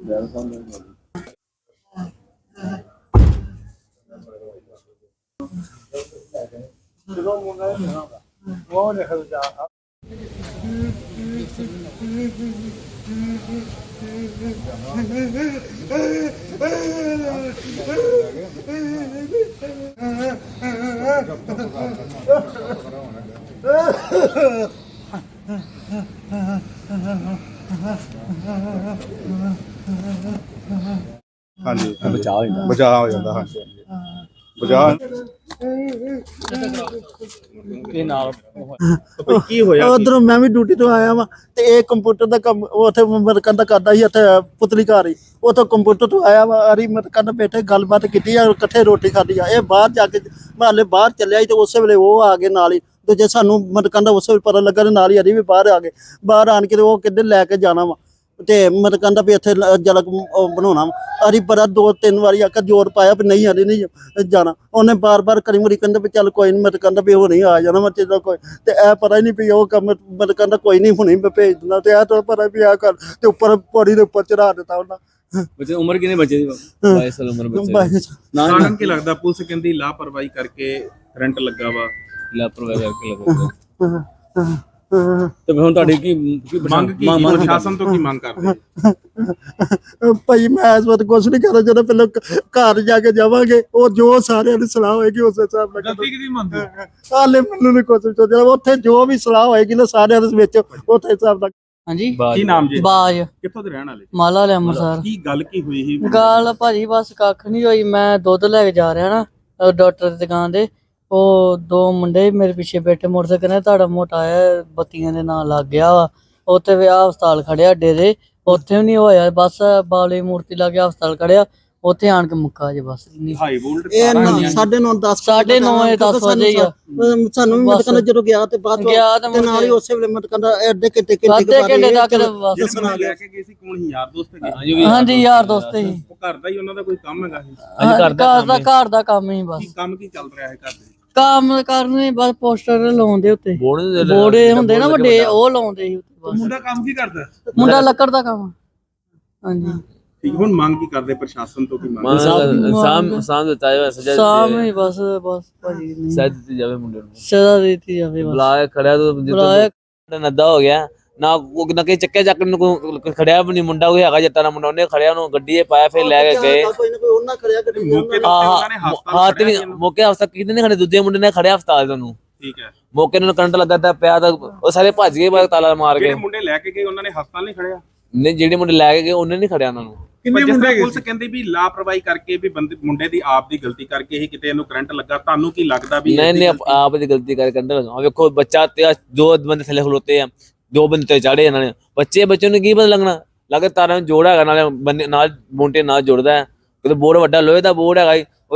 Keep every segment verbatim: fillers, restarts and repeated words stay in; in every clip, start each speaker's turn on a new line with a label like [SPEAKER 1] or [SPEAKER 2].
[SPEAKER 1] हाँ जी बचाव बचाव हो जाता। हाँ जी बचाव
[SPEAKER 2] उधरों मैं भी ड्यूटी तो आया वा ते एक कंप्यूटर का कम उथे मरकन दा करदा ही इत्थे पुतली घर ही उथों कंप्यूटर तो आया वा अरी मरकन बैठे गलबात की कट्ठे रोटी खाधी आ बाहर जाके माले बाहर चलिया तो उस वेले वो आ गए नाल ही दूजे सानू मरकन उस वेले पता लगा नाल ही अरी भी बाहर आ गए बाहर आन के वो किधर लैके जाना वा ते मत कहता भी इत्थे जलक बनाना अरी बड़ा दो तीन बारी आकर जोर पाया भी नहीं अरे नहीं जाना उन्हें बार बार करी मुरी कहते भी चल कोई नहीं मत कहता भी वो नहीं आ जाना मत कोई ते ए पता ही नहीं भी वो कम मत कहता कोई नहीं हुनी भेज देना ते ए तो पता भी आ कर ते ऊपर पौड़ी दे ऊपर चढ़ा देता उन्हें
[SPEAKER 3] बच्चे उम्र कितने बच्चे दी बाईस साल उम्र बच्चे
[SPEAKER 1] कारण की लगदा पुलिस कहंदी लापरवाही करके करंट लगा वा
[SPEAKER 3] लापरवाही करके लगा तो ਹੁਣ ਤੁਹਾਡੀ ਕੀ
[SPEAKER 1] ਮੰਗ ਕੀ ਪ੍ਰਸ਼ਾਸਨ ਤੋਂ ਕੀ ਮੰਗ ਕਰਦੇ
[SPEAKER 2] ਭਾਈ ਮੈਂ ਇਸ ਵਕਤ ਕੁਝ ਨਹੀਂ ਕਰਦਾ ਜਦੋਂ ਪਹਿਲਾਂ ਘਰ ਜਾ ਕੇ ਜਾਵਾਂਗੇ ਉਹ ਜੋ ਸਾਰਿਆਂ ਦੀ ਸਲਾਹ ਹੋਏਗੀ ਉਸ ਹਿਸਾਬ ਨਾਲ
[SPEAKER 1] ਗਲਤੀ ਕਿਹਦੀ ਮੰਨਦੇ
[SPEAKER 2] ਹਾਲੇ ਮੈਨੂੰ ਨਹੀਂ ਕੁਝ ਸੋਚਿਆ ਉੱਥੇ ਜੋ ਵੀ ਸਲਾਹ ਹੋਏਗੀ ਨਾ ਸਾਰਿਆਂ ਦੇ ਵਿੱਚ ਉੱਥੇ ਹਿਸਾਬ ਨਾਲ
[SPEAKER 4] ਹਾਂਜੀ
[SPEAKER 1] ਕੀ ਨਾਮ ਜੀ
[SPEAKER 4] ਬਾਜ
[SPEAKER 1] ਕਿੱਥੋਂ ਦੇ ਰਹਿਣ ਵਾਲੇ
[SPEAKER 4] ਮਾਲਾ ਵਾਲੇ ਅੰਮ੍ਰਿਤਸਰ
[SPEAKER 1] ਕੀ ਗੱਲ ਕੀ ਹੋਈ ਸੀ
[SPEAKER 4] ਗੱਲ ਭਾਜੀ ਬਸ ਕੱਖ ਨਹੀਂ ਹੋਈ ਮੈਂ ਦੁੱਧ ਲੈ ਕੇ ਜਾ ਰਿਹਾ ਨਾ ਡਾਕਟਰ ਦੀ ਦੁਕਾਨ ਦੇ ਉਹ ਦੋ ਮੁੰਡੇ ਮੇਰੇ ਪਿੱਛੇ ਬੈਠੇ ਮੋਟਰਸਾਈਕਲ ਕਹਿੰਦੇ ਤੁਹਾਡਾ ਮੋਟਾ ਆਇਆ ਬੱਤੀਆਂ ਦੇ ਨਾਲ ਲੱਗ ਗਿਆ ਵਾ ਉੱਥੇ ਵਿਆਹ ਹਸਪਤਾਲ ਖੜਿਆ ਅੱਡੇ ਦੇ ਉੱਥੇ ਵੀ ਨਹੀਂ ਹੋਇਆ ਬਸ ਬਾਲੇ ਮੂਰਤੀ ਲੱਗ ਗਿਆ ਹਸਪਤਾਲ ਖੜਿਆ ਉੱਥੇ ਆਣ ਕੇ ਮੁੱਕਾ ਜੇ ਬਸ
[SPEAKER 1] ਹਾਈ ਵੋਲਟ
[SPEAKER 2] ਇਹ ਸਾਢੇ ਨੌ ਦਸ
[SPEAKER 4] ਸਾਢੇ ਨੌ ਦਸ ਵਜੇ ਹੀ ਆ
[SPEAKER 2] ਸਾਨੂੰ ਵੀ ਮਤ ਕਹਿੰਦਾ ਜਦੋਂ ਗਿਆ ਤੇ ਬਾਅਦ
[SPEAKER 4] ਗਿਆ ਤੇ
[SPEAKER 2] ਨਾਲ ਹੀ ਉਸੇ ਵੇਲੇ ਮਤ ਕਹਿੰਦਾ ਅੱਧੇ ਘੰਟੇ ਘੰਟੇ
[SPEAKER 4] ਅੱਧੇ ਘੰਟੇ ਤੱਕ ਬਸ
[SPEAKER 1] ਲੈ ਕੇ ਗਏ ਸੀ ਕੌਣ ਸੀ ਯਾਰ ਦੋਸਤ ਹੈਗੇ
[SPEAKER 4] ਹਾਂਜੀ ਯਾਰ ਦੋਸਤ ਸੀ
[SPEAKER 1] ਉਹ ਘਰ ਦਾ ਹੀ ਉਹਨਾਂ ਦਾ ਕੋਈ ਕੰਮ ਹੈਗਾ ਸੀ
[SPEAKER 4] ਘਰ ਦਾ ਘਰ ਦਾ ਕੰਮ ਹੀ ਬਸ
[SPEAKER 1] ਕੰਮ ਕੀ ਚੱਲ ਰਿਹਾ ਹੈ ਘਰ ਦੇ
[SPEAKER 4] ਕੰਮ ਕਰਨੇ ਬਸ ਪੋਸਟਰ ਲਾਉਂਦੇ ਉੱਤੇ ਬੋੜੇ ਹੁੰਦੇ ਨਾ ਵੱਡੇ ਉਹ ਲਾਉਂਦੇ ਸੀ ਉੱਤੇ ਬਸ
[SPEAKER 1] ਮੁੰਡਾ ਕੰਮ ਕੀ ਕਰਦਾ
[SPEAKER 4] ਮੁੰਡਾ ਲੱਕੜ ਦਾ ਕੰਮ ਹਾਂਜੀ
[SPEAKER 1] ਠੀਕ ਹੁਣ ਮੰਗ ਕੀ ਕਰਦੇ ਪ੍ਰਸ਼ਾਸਨ ਤੋਂ ਕੀ ਮੰਗ
[SPEAKER 3] ਸਾਮ ਸਾਮ ਦਿੱਤਾ ਹੈ ਸਜ਼ਾ
[SPEAKER 4] ਸਾਹਮਣੇ ਬਸ ਬਸ ਭਾਜੀ ਨਹੀਂ
[SPEAKER 3] ਸਜ਼ਾ ਦਿੱਤੀ ਜਾਵੇ ਮੁੰਡੇ ਨੂੰ
[SPEAKER 4] ਸਜ਼ਾ ਦਿੱਤੀ ਜਾਵੇ ਬਸ
[SPEAKER 3] ਬੁਲਾਇਆ ਖੜਿਆ ਤਾਂ ਜਿੱਦਾਂ ਨੱਦਾ ਹੋ ਗਿਆ ਨਾ ਉਹ ਨਾ ਕਿ ਚੱਕਿਆ ਚੱਕ ਨੂੰ ਖੜਿਆ ਵੀ ਨਹੀਂ ਮੁੰਡਾ ਕੋਈ ਹੈਗਾ ਜੱਟਾਂ ਦਾ ਮੁੰਡਾ ਉਹਨੇ ਖੜਿਆ ਉਹਨੂੰ ਗੱਡੀ 'ਚ ਪਾਇਆ ਫਿਰ ਲੈ ਕੇ ਗਏ
[SPEAKER 2] ਕੋਈ ਨਾ ਕੋਈ ਉਹਨਾਂ ਖੜਿਆ ਗੱਡੀ
[SPEAKER 1] ਮੌਕੇ ਤੇ ਉਹਨਾਂ ਨੇ ਹਸਪਤਾਲ
[SPEAKER 3] ਹਾਂ ਤੇ ਮੌਕੇ ਹਸਪਤਾਲ ਕਿਤੇ ਨਹੀਂ ਖੜੇ ਦੂਜੇ ਮੁੰਡੇ ਨੇ ਖੜਿਆ ਹਸਪਤਾਲ ਤੁਹਾਨੂੰ
[SPEAKER 1] ਠੀਕ ਹੈ
[SPEAKER 3] ਮੌਕੇ ਨੂੰ ਕਰੰਟ ਲੱਗਾ ਤਾਂ ਪਿਆ ਤਾਂ ਉਹ ਸਾਰੇ ਭੱਜ ਗਏ ਬਾਅਦ ਤਾਲਾ ਮਾਰ ਕੇ
[SPEAKER 1] ਜਿਹੜੇ ਮੁੰਡੇ ਲੈ ਕੇ ਗਏ ਉਹਨਾਂ ਨੇ ਹਸਪਤਾਲ ਨਹੀਂ ਖੜਿਆ
[SPEAKER 3] ਨਹੀਂ ਜਿਹੜੇ ਮੁੰਡੇ ਲੈ ਕੇ ਗਏ ਉਹਨੇ ਨਹੀਂ ਖੜਿਆ ਉਹਨਾਂ ਨੂੰ
[SPEAKER 1] ਕਿੰਨੇ ਮੁੰਡੇ ਪੁਲਿਸ ਕਹਿੰਦੀ ਵੀ ਲਾਪਰਵਾਹੀ ਕਰਕੇ ਵੀ ਬੰਦੇ ਮੁੰਡੇ ਦੀ ਆਪ ਦੀ ਗਲਤੀ ਕਰਕੇ ਹੀ ਕਿਤੇ ਇਹਨੂੰ ਕਰੰਟ ਲੱਗਾ ਤੁਹਾਨੂੰ ਕੀ ਲੱਗਦਾ ਵੀ
[SPEAKER 3] ਨਹੀਂ ਨਹੀਂ ਆਪ ਦੀ ਗਲਤੀ ਕਰਕੇ ਕਰੰਟ ਲੱਗਾ ਵੇਖੋ ਬੱਚਾ ਤੇ ਜੋ ਬੰਦੇ ਥੱਲੇ ਖਲੋਤੇ ਆ ਦੋ ਬੰਦੇ ਤੇ ਚੜੇ ਇਹਨਾਂ ਨੇ ਬੱਚੇ ਬੱਚੇ ਨੂੰ ਕੀ ਪਤਾ ਲੱਗਣਾ ਲੱਗੇ ਤਾਰਾਂ ਨੂੰ ਜੋੜ ਹੈਗਾ ਨਾਲੇ ਬੰਦੇ ਨਾਲ ਮੋਂਟੇ ਨਾਲ ਜੁੜਦਾ ਹੈ ਕਿਤੇ ਬੋਰਡ ਵੱਡਾ ਲੋਹੇ ਦਾ ਬੋਰਡ ਹੈਗਾ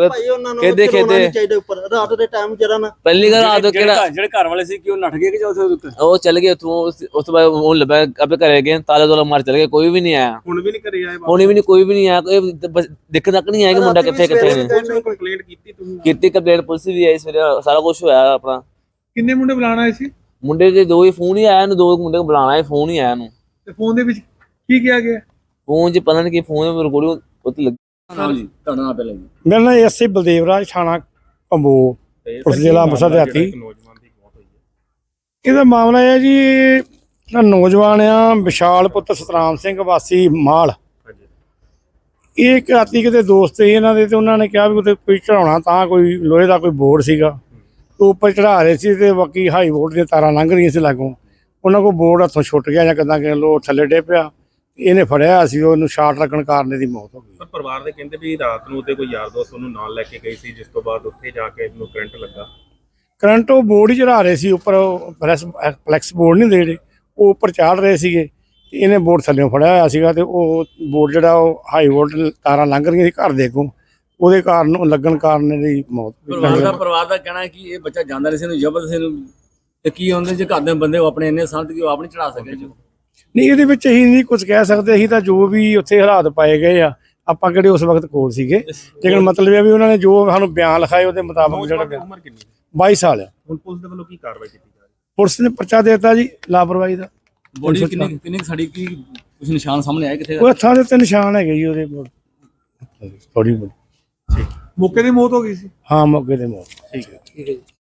[SPEAKER 2] ਕਿਹਦੇ ਕਿਹਦੇ ਚਾਹੀਦੇ ਉੱਪਰ ਰਾਤ ਦੇ ਟਾਈਮ ਜਰਾ ਨਾ
[SPEAKER 3] ਪਹਿਲੀ ਗੱਲ ਰਾਤ ਕਿਹੜਾ
[SPEAKER 1] ਜਿਹੜੇ ਘਰ ਵਾਲੇ ਸੀ ਕਿ ਉਹ ਨੱਠ ਗਏ ਕਿ ਉੱਥੇ
[SPEAKER 3] ਉਹ ਚੱਲ ਗਏ ਉੱਥੋਂ ਉਸ ਤੋਂ ਬਾਅਦ ਉਹ ਲੱਭਿਆ ਆਪੇ ਘਰੇ ਗਏ ਤਾਲੇ ਤੋਲਾ ਮਾਰ ਚਲੇ ਗਏ ਕੋਈ ਵੀ ਨਹੀਂ ਆਇਆ
[SPEAKER 1] ਹੁਣ ਵੀ ਨਹੀਂ ਘਰੇ ਆਏ
[SPEAKER 3] ਹੁਣ ਵੀ ਨਹੀਂ ਕੋਈ ਵੀ ਨਹੀਂ ਆਇਆ ਦਿੱਕਤ ਤੱਕ ਨਹੀਂ ਆਇਆ ਕਿ ਮੁੰਡਾ ਕਿੱਥੇ ਕਿੱਥੇ ਨੇ
[SPEAKER 1] ਕੰਪਲੇਂਟ ਕੀਤੀ ਤੁਸੀਂ
[SPEAKER 3] ਕੀਤੀ ਕੰਪਲੇਂਟ ਪੁਲਿਸ ਵੀ ਆਈ ਸਵੇਰੇ ਸਾਰਾ ਕੁਝ ਹੋਇਆ ਆਪਣਾ
[SPEAKER 1] ਕਿੰਨੇ ਮੁੰਡੇ ਬੁਲਾਣਾ ਆਏ ਸੀ
[SPEAKER 3] ਮੁੰਡੇ ਦੇ ਦੋ ਹੀ ਫੋਨ ਹੀ ਆਇਆ ਇਹਨੂੰ ਦੋ ਮੁੰਡੇ ਨੂੰ ਬੁਲਾਣਾ ਹੈ ਫੋਨ ਹੀ ਆਇਆ ਇਹਨੂੰ
[SPEAKER 1] ਤੇ ਫੋਨ ਦੇ ਵਿੱਚ ਕੀ ਕਿਹਾ ਗਿਆ
[SPEAKER 3] ਫੋਨ 'ਚ ਪਤਾ ਨਹੀਂ ਕੀ ਫੋਨ ਵਿੱਚ ਰਿਕਾਰਡਿੰਗ ਉੱਤੇ ਲੱਗੀ
[SPEAKER 1] ਜੀ ਤੁਹਾਡਾ ਨਾਮ ਪਹਿਲਾਂ ਜੀ
[SPEAKER 5] ਮੇਰਾ ਨਾਮ ਐਸਏ ਬਲਦੇਵ ਰਾਜ ਥਾਣਾ ਕੰਬੋ ਪੁਲਿਸ ਜ਼ਿਲ੍ਹਾ ਅੰਮ੍ਰਿਤਸਰ ਦੇ ਹਾਤੀ
[SPEAKER 1] ਨੌਜਵਾਨ ਦੀ ਮੌਤ ਹੋਈ ਹੈ
[SPEAKER 5] ਇਹਦਾ ਮਾਮਲਾ ਹੈ ਜੀ ਜਿਹੜਾ ਨੌਜਵਾਨ ਆ ਵਿਸ਼ਾਲ ਪੁੱਤਰ ਸਤਰਾਮ ਸਿੰਘ ਵਾਸੀ ਮਾਲ ਇਹ ਇੱਕ ਰਾਤੀ ਕਿਤੇ ਦੋਸਤ ਸੀ ਇਹਨਾਂ ਦੇ ਤੇ ਉਹਨਾਂ ਨੇ ਕਿਹਾ ਵੀ ਉੱਥੇ ਕੋਈ ਚੜਾਉਣਾ ਤਾਂ ਕੋਈ ਲੋਹੇ ਦਾ ਕੋਈ ਬੋਰਡ ਸੀਗਾ ਉਹ ਉੱਪਰ ਚੜਾ ਰਹੇ ਸੀ ਤੇ ਬਾਕੀ ਹਾਈ ਵੋਲਟ ਦੀਆਂ ਤਾਰਾਂ ਲੰਘ ਰਹੀਆਂ ਸੀ ਲਾਗੋਂ ਉਹਨਾਂ ਕੋਲ ਬੋਰਡ ਹੱਥੋਂ ਛੁੱਟ ਗਿਆ ਜਾਂ ਕਿੱਦਾਂ ਕਿ ਲੋ ਥੱਲੇ ਡੇ ਪਿਆ ਇਹਨੇ ਫੜਿਆ ਸੀ ਉਹਨੂੰ ਸ਼ਾਰਟ ਲੱਗਣ ਕਾਰਨ ਇਹਦੀ ਮੌਤ ਹੋ ਗਈ
[SPEAKER 1] ਪਰ ਪਰਿਵਾਰ ਦੇ ਕਹਿੰਦੇ ਵੀ ਰਾਤ ਨੂੰ ਉੱਤੇ ਕੋਈ ਯਾਰ ਦੋਸਤ ਉਹਨੂੰ ਨਾਲ ਲੈ ਕੇ ਗਈ ਸੀ ਜਿਸ ਤੋਂ ਬਾਅਦ ਉੱਥੇ ਜਾ ਕੇ ਇਹਨੂੰ ਕਰੰਟ ਲੱਗਾ
[SPEAKER 5] ਕਰੰਟ ਉਹ ਬੋਰਡ ਹੀ ਚੜਾ ਰਹੇ ਸੀ ਉੱਪਰ ਪ੍ਰੈਸ ਫਲੈਕਸ ਬੋਰਡ ਨਹੀਂ ਦੇ ਜਿਹੜੇ ਉਹ ਉੱਪਰ ਚਾੜ ਰਹੇ ਸੀਗੇ ਤੇ ਇਹਨੇ ਬੋਰਡ ਥੱਲੇੋਂ ਫੜਿਆ ਹੋਇਆ ਸੀਗਾ ਤੇ ਉਹ ਬੋਰਡ ਜਿਹੜਾ ਉਹ ਹਾਈ ਵੋਲਟ ਤਾਰਾਂ ਲੰਘ ਰਹੀਆਂ ਸੀ ਘਰ ਦੇ ਅੱਗੋਂ ਉਹਦੇ ਕਾਰਨ ਲੱਗਣ ਕਾਰਨ ਇਹਦੀ ਮੌਤ
[SPEAKER 6] ਪਰਿਵਾਰ ਦਾ ਪਰਿਵਾਰ ਦਾ ਕਹਿਣਾ ਹੈ ਕਿ ਇਹ ਬੱਚਾ ਜਾਂਦਾ ਰਿਹਾ ਸੀ ਇਹਨੂੰ ਜ਼ਬਰਦਸਤੀ ਨੂੰ ਤੇ ਕੀ ਹੁੰਦੇ ਜੇ ਘਰ ਦੇ ਬੰਦੇ ਉਹ ਆਪਣੇ ਇੰਨੇ ਸੰਤ ਕਿ ਉਹ ਆਪ ਨਹੀਂ ਚੜਾ ਸਕੇ
[SPEAKER 5] ਨਹੀਂ ਇਹਦੇ ਵਿੱਚ ਅਸੀਂ ਨਹੀਂ ਕੁਝ ਕਹਿ ਸਕਦੇ ਅਸੀਂ ਤਾਂ ਜੋ ਵੀ ਉੱਥੇ ਹਾਲਾਤ ਪਾਏ ਗਏ ਆ ਆਪਾਂ ਕਿਹੜੇ ਉਸ ਵਕਤ ਕੋਲ ਸੀਗੇ ਲੇਕਿਨ ਮਤਲਬ ਇਹ ਵੀ ਉਹਨਾਂ ਨੇ ਜੋ ਸਾਨੂੰ ਬਿਆਨ ਲਿਖਾਏ ਉਹਦੇ ਮੁਤਾਬਕ ਜਿਹੜਾ
[SPEAKER 1] ਉਮਰ ਕਿੰਨੀ
[SPEAKER 5] ਬਾਈ ਸਾਲ ਆ
[SPEAKER 1] ਹੁਣ ਪੁਲਿਸ ਦੇ ਵੱਲੋਂ ਕੀ ਕਾਰਵਾਈ ਕੀਤੀ ਜਾ ਰਹੀ
[SPEAKER 5] ਪੁਲਿਸ ਨੇ ਪਰਚਾ ਦੇ ਦਿੱਤਾ ਜੀ ਲਾਪਰਵਾਹੀ ਦਾ
[SPEAKER 6] ਬੋਡੀ ਕਿੰਨੀ ਕਿੰਨੀ ਸਾਡੀ ਕੀ ਕੁਝ ਨਿਸ਼ਾਨ ਸਾਹਮਣੇ ਆਏ ਕਿੱਥੇ
[SPEAKER 5] ਉਹ ਹੱਥਾਂ ਦੇ ਉੱਤੇ ਨਿਸ਼ਾਨ ਹੈਗੇ ਜੀ ਉਹਦੇ ਥੋੜੀ ਬਹੁਤ।
[SPEAKER 7] ਮੌਕੇ ਦੀ ਮੌਤ ਹੋ ਗਈ ਸੀ।
[SPEAKER 5] ਹਾਂ ਮੌਕੇ ਤੇ ਮੌਤ।
[SPEAKER 7] ਠੀਕ ਹੈ।